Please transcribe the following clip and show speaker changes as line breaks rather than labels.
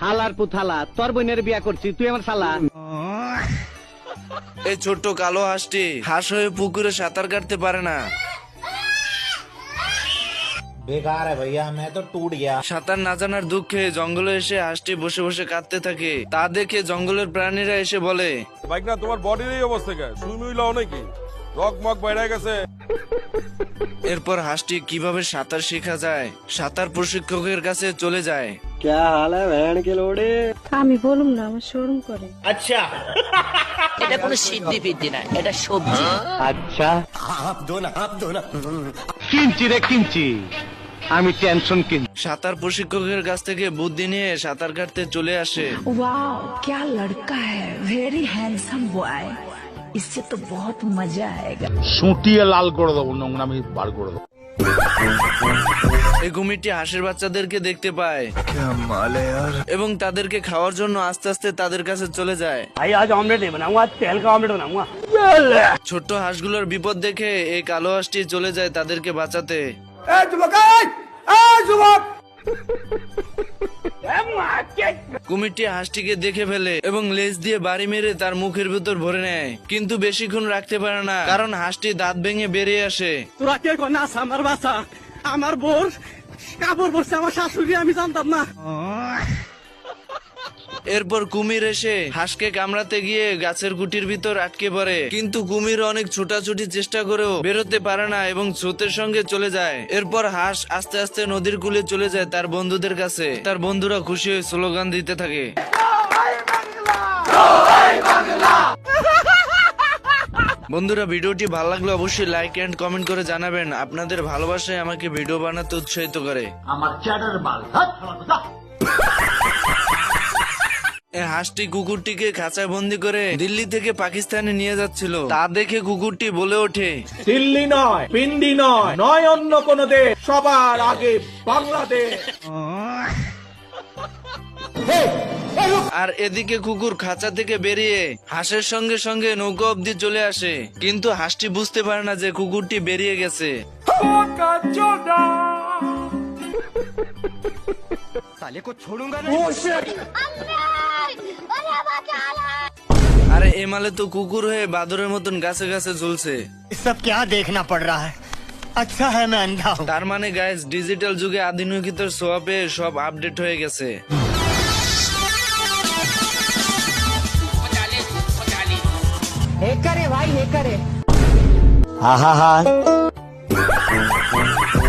হালার পুথালা তোর বোনের বিয়া করছি তুই আমার শালা।
এই ছোট্ট কালো হাঁসটি হাঁস হয়ে পুকুরে সাঁতার কাটতে পারে না।
बेकार है भैया मैं तो टूट गया।
সাঁতার না জানার দুঃখে জঙ্গলে এসে হাঁসটি বসে বসে কাঁদতে থাকে। তা দেখে জঙ্গলের প্রাণীরা এসে বলে,
বাইক না তোমার বডির এই অবস্থা কে? সুইমিং লাও নাকি? রক মক বাইরে গেছে।
এরপর হাঁসটি কিভাবে সাঁতার শেখা যায় সাঁতার প্রশিক্ষকের কাছে চলে যায়।
আমি বলুম না, আমার শরম করে।
এটা কোনো সিদ্ধি ফিদ্ধি না, এটা সবজি।
আচ্ছা কিনছি রে কিনছি, আমি টেনশন কিনছি।
সাঁতার প্রশিক্ষকের কাছ থেকে বুদ্ধি নিয়ে সাঁতার কাটতে চলে আসে।
वाओ क्या लड़का है, वेरी हैंडसम बॉय, इससे तो बहुत मजा आएगा।
সুটিয়ে লাল করে দেবো, নোংরামি বার করে দেবো।
এই কুমিরটি হাঁসের বাচ্চাদেরকে দেখতে পায় এবং তাদেরকে খাওয়ার জন্য আস্তে আস্তে তাদের কাছে চলে যায়। ছোট্ট হাঁসগুলোর বিপদ দেখে এই কালো হাঁসটি চলে যায় তাদেরকে বাঁচাতে। কুমিরটি হাঁসটিকে দেখে ফেলে এবং লেজ দিয়ে বাড়ি মেরে তার মুখের ভিতর ভরে নেয়, কিন্তু বেশিক্ষণ রাখতে পারে না কারণ হাঁসটি দাঁত ভেঙে বেরিয়ে আসে।
তোরা কে কোন আমার বাসা, আমার বোর কাপড় পরছে আমার শাশুড়ি, আমি জানতাম না।
এরপর কুমির এসে হাঁসকে কামড়াতে গিয়ে গাছের গুটির ভিতর আটকে পড়ে, কিন্তু কুমির অনেক ছোটাছুটি চেষ্টা করেও বেরোতে পারে না এবং স্রোতের সঙ্গে চলে যায়। এরপর হাঁস আস্তে আস্তে নদীর কূলে চলে যায় তার বন্ধুদের কাছে। তার বন্ধুরা খুশি হয়ে স্লোগান দিতে থাকে। বন্ধুরা, ভিডিওটি ভালো লাগলে অবশ্যই লাইক এন্ড কমেন্ট করে জানাবেন। আপনাদের ভালোবাসায় আমাকে ভিডিও বানাতে উৎসাহিত করে। এই হাঁসটি কুকুরটিকে খাঁচায় বন্দি করে দিল্লি থেকে পাকিস্তানে নিয়ে যাচ্ছিল। তা দেখে কুকুরটি বলে ওঠে,
दिल्ली নয়, পিন্ডি নয়, নয় অন্য কোন দেশ, সবার আগে বাংলাদেশ।
আর এদিকে কুকুর খাঁচা থেকে বেরিয়ে হাঁসের সঙ্গে সঙ্গে নৌকা অব্দি চলে আসে, কিন্তু হাঁসটি বুঝতে পারে না যে কুকুরটি বেরিয়ে গেছে। আরে এমালে তো কুকুর হয়ে বাদরের মতন গাছে গাছে ঝুলছে।
सब क्या देखना पड़ रहा है? अच्छा है मैं अंधा हूँ।
তার মানে গাইস, ডিজিটাল যুগে আধুনিকতার ছোঁয়া পেয়ে সব আপডেট হয়ে গেছে।
हाँ हाँ हाँ